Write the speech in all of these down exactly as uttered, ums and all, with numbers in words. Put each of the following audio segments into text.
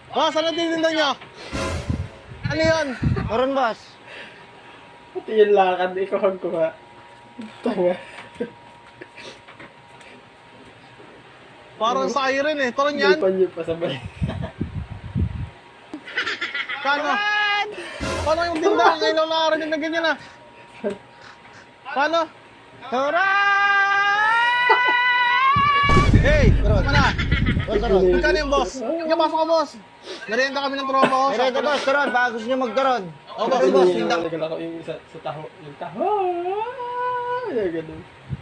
Boss, ano tininda nyo? Ano yun? Meron, boss. Pati yung lakad, ikaw ang kuha. Tanga. Parang siren eh. Turon May yan. panyo pa sabay. Paano? Paano yung tindahan? Ngayon lang nakarinig na ganyan ah. Paano? Hey! Turon. Ano na? Boss, turon. Magkano yung boss? Ika, pasok ka boss. Narienda kami ng tropa ko. Meron ito, boss, turon. Baka gusto nyo magturon. Oh, boss, Turon, boss. boss. Yung Tinda. naglalako yung sa, sa taho. Yung taho. Yung ganun.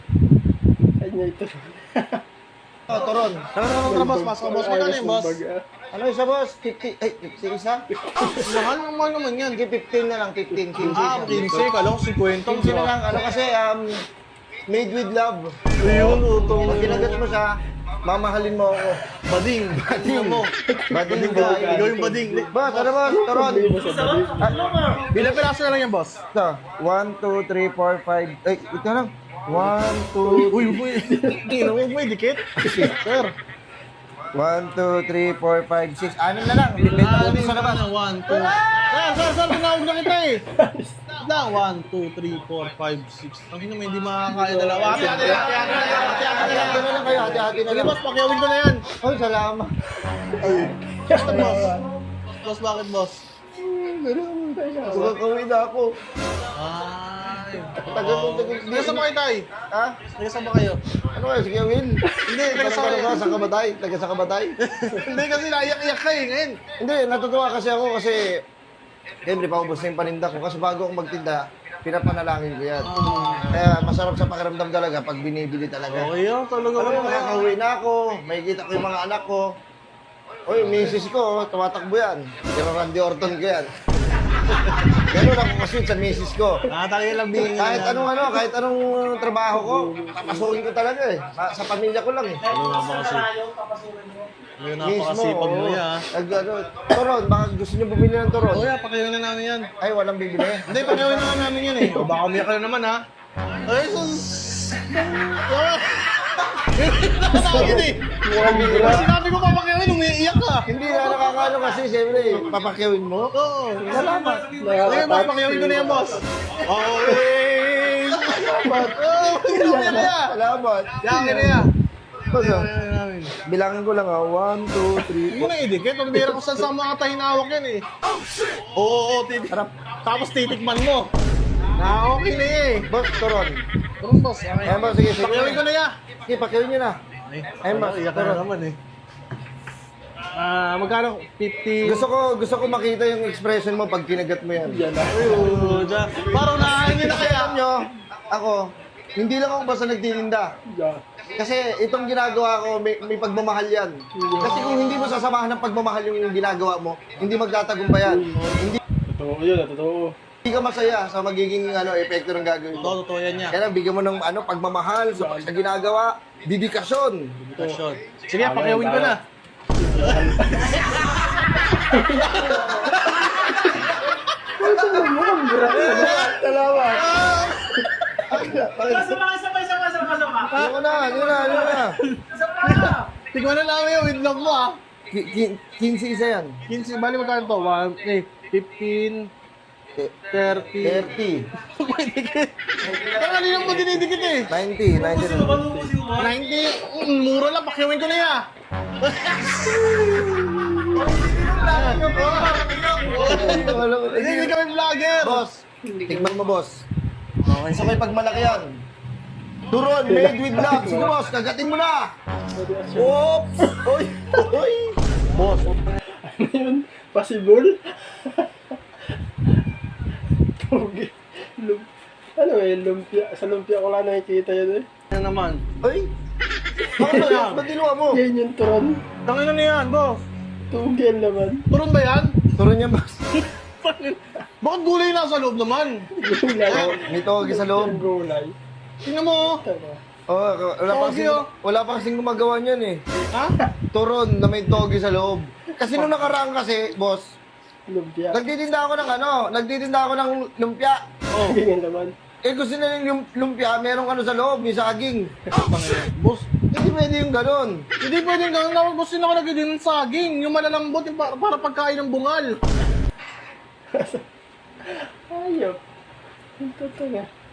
Ay niya ito. Oh, turon. Ano na ng boss? Pasok ka boss. Magkano yung boss? Ano isa, boss? fifty, ay, fifty isa? Mahal naman naman yan. Sige, fifteen na lang, fifteen, fifteen. Ah, fifteen. Kala ko fifty. fifteen na lang. Ano kasi, um, made with love. Ayun, utong. Pag kinagat mo siya, mamahalin mo ako. Bading. Bading mo. Bading ka. Ikaw yung bading. Boss, ano boss? Turon. Bilang piraso na lang yan, boss. Ito. one, two, three, four, five. Ay, ito lang. one, two, Uy, uy. Tingnan mo, may dikit. Sir. one, two, three, four, five, six. Anim na lang. Bibenta ko sa labas. one, two. Sir, sir, sir, tinawag na kita eh. Lang, one, two, three, four, five, six. Ang hino mo, hindi makakaya dalawa. Hati-hati lang, hati-hati lang, hati-hati lang. Hati-hati na lang kayo. Hati-hati na Sige, lang. boss, pakiawin ko na yan. Ay, salamat. Bakit, boss? Boss, bakit, boss? Magkakawin na ako. Ay. Tagal mo, tagal. Taga saan ba kayo, tay? Ha? Taga saan ba kayo? Ano kayo? Sige, Will. Hindi, taga Taga saan sa sa kabatay. Taga sa kabatay. Hindi kasi naiyak-iyak ka eh, ngayon. Hindi, natutuwa kasi ako kasi siyempre, paubos na yung paninda ko. Kasi bago ako magtinda, pinapanalangin ko yan. Kaya masarap sa pakiramdam talaga pag binibili talaga. Okay yan, talaga. Alam mo, makakauwi na ako, makikita ko yung mga anak ko. Oy, misis ko, oh, tumatakbo yan. Pero Randy Orton ko yan. Ganun ako kasi sa misis ko. Nakatangin lang bingin. Kahit anong ano, kahit anong trabaho ko, papasukin ko talaga eh. Sa, sa pamilya ko lang eh. Ano nga ba kasi? Ano napakasipag mo oo. yan. Nag, ano, turon, baka gusto nyo bumili ng turon. O yeah, pakiawin na namin yan. Ay, walang bibili. Hindi, pakiawin na namin yan eh. O baka umiyak ka na naman ha. Ay, sus! Nakasakit eh. Sinabi ko papakiawin, umiiyak ka. Hindi na nakakano kasi, siyempre, papakyawin mo. Oo. Salamat. Sige, boss, pakiawin ko na yan, boss. Okay. Salamat. Oh, pakiawin na yan. Salamat. Yakin na yan. Boss, ah, Pakiawin na namin. bilangin ko lang ah. One, two, three, Hindi mo na idikit. Pag bira ko saan sa mga tahinawak yan eh. Oo, oo, titik. Harap. Tapos titikman mo. Na okay na eh. Boss, turon. Turun, boss. Okay. Ayan, boss, sige, sige. Pakiawin ko na yan. Sige, pakyawin nyo na. Ay, Ayun, boss. iyak ka na naman eh. Ah, magkano? fifty. Gusto ko, gusto ko makita yung expression mo pag kinagat mo yan. Yan na. Ayun, dyan. Parang nakakainin na kaya. Alam nyo, ako, hindi lang ako basta nagtitinda. Yan. Kasi itong ginagawa ko, may, may pagmamahal yan. Kasi kung hindi mo sasamahan ng pagmamahal yung ginagawa mo, hindi magtatagumpayan. Hindi, Totoo yun, totoo. hindi ka masaya sa magiging ano, epekto ng gagawin mo. Totoo, totoo yan niya. Kaya bigyan mo ng ano, pagmamahal sa, sa ginagawa, dedikasyon. Kasyon. Sige, pakiawin ko na. Salamat. Sabay, sabay, sabay, sabay, sabay. Ano ko na, ano na, ano na. Tignan na namin yung windlock mo ah. Ki- ki- quince isa yan. fifteen, bali magkano to? one, eh, fifteen, thirty. thirty. May dikit. Kaya kanina mo dinidikit eh. ninety, ninety na. ninety, mm, mura lang, pakiawin ko na yan. Hindi, hindi kami vlogger. Boss, tignan mo boss. Okay. Sa may pagmalaki yan. Turon, made with love. Sige boss, kagatin mo na. Oops! Oy! Oy! Boss. Ano yun? Possible? Tugi. Lum ano eh, lumpia. Sa lumpia ko lang nakikita yun eh. Ano naman? Oy! Bakit ba yan? Ba't dinuwa mo? Yan yung turon. Tangin na niyan, boss. Tugi yan naman. Turun ba yan? Turon yan boss. Bakit gulay na sa loob naman? Gulay. May togi sa Yung loob. gulay. Tingnan mo. Tama. Oh, wala pa Togi, kasing, oh. wala pa kasing gumagawa niyan eh. Ha? Turon na may togi sa loob. Kasi nung nakaraan kasi, boss, Lumpia. nagtitinda ako ng ano, nagtitinda ako ng lumpia. Oh. Ganyan naman. Eh gusto nila yung lumpia, merong ano sa loob, may saging. Boss. Eh di pwede yung ganun. Hindi pwedeng gawin na boss din ako nagiging ng saging. Yung malalambot, yung para, para pagkain ng bungal. Ayop. Ang totoo nga.